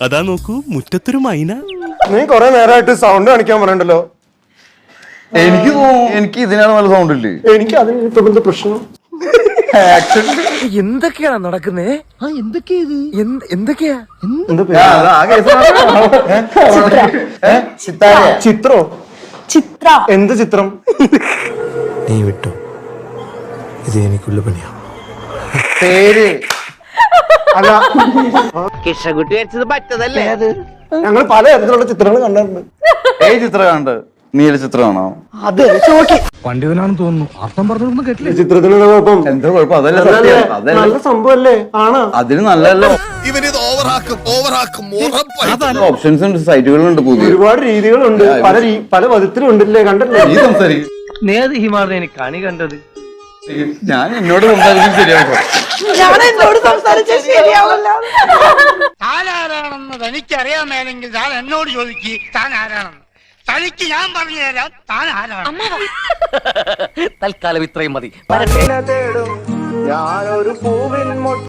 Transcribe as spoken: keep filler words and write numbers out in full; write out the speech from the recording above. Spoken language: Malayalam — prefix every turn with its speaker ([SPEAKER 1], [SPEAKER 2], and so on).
[SPEAKER 1] അതാ നോക്കൂ മുറ്റത്തൊരു മൈന.
[SPEAKER 2] നീ കൊറേ നേരമായിട്ട് സൗണ്ട് കാണിക്കാൻ പറയണ്ടല്ലോ.
[SPEAKER 3] എനിക്ക് എനിക്ക് ഇതിനാണ് നല്ല സൗണ്ട് ഇല്ലേ?
[SPEAKER 2] എനിക്ക് അതിന് ഇപ്പൊ എന്താ പ്രശ്നം?
[SPEAKER 4] എന്തൊക്കെയാണ് നടക്കുന്നേ? ആ എന്തൊക്കെയാ ഇത്? എന്തൊക്കെയാ?
[SPEAKER 2] ചിത്രോ?
[SPEAKER 5] ചിത്ര.
[SPEAKER 2] എന്ത് ചിത്രം?
[SPEAKER 1] നീ വിട്ടു, ഇത് എനിക്കുള്ള പണിയാ.
[SPEAKER 3] പേര്
[SPEAKER 2] അല്ല,
[SPEAKER 4] കിഷകുട്ടി വരച്ചത് പറ്റതല്ലേ അത്?
[SPEAKER 2] ഞങ്ങൾ പല തരത്തിലുള്ള ചിത്രങ്ങൾ കണ്ടിട്ടുണ്ട്.
[SPEAKER 3] ഏത് ചിത്രം കണ്ട്? നീല ചിത്രമാണോ?
[SPEAKER 2] അതെ,
[SPEAKER 4] പണ്ഡിതനാണെന്ന് തോന്നുന്നു. അർത്ഥം പറഞ്ഞൊന്നും കേട്ടില്ല.
[SPEAKER 2] ചിത്രത്തിനുള്ള കുഴപ്പം
[SPEAKER 3] എന്താ കുഴപ്പം? അതല്ല സത്യം. അതല്ല
[SPEAKER 2] നല്ല സംഭവല്ലേ? ആണ്.
[SPEAKER 3] അതിന് നല്ലല്ലോ.
[SPEAKER 1] ഇവനിത് ഓവറാക്കും ഓവറാക്കും
[SPEAKER 3] ഓപ്ഷൻസ് ഉണ്ട്, സൈറ്റുകളുണ്ട്, പുതിയ
[SPEAKER 2] ഒരുപാട് രീതികളുണ്ട്. പല രീ- പല വിധത്തിലും ഉണ്ടല്ലേ? കണ്ടല്ലേ?
[SPEAKER 3] നീ സംസാരിക്കും.
[SPEAKER 4] നേത് ഹിമാറിനെ എനിക്ക് കണി കണ്ടത്.
[SPEAKER 3] ഞാൻ എന്നോട് സംസാരിക്കും ശരിയാവും.
[SPEAKER 5] ഞാൻ എന്നോട് സംസാരിച്ച ശരിയാവില്ല.
[SPEAKER 6] താൻ ആരാണെന്ന് തനിക്കറിയാൻ മേലെങ്കിൽ താൻ എന്നോട് ചോദിക്ക് താൻ ആരാണെന്ന്. തനിക്ക് ഞാൻ പറഞ്ഞു തരാം താൻ ആരാണ്.
[SPEAKER 4] തൽക്കാലം ഇത്രയും മതി.
[SPEAKER 2] ഞാനൊരു പൂവിൻ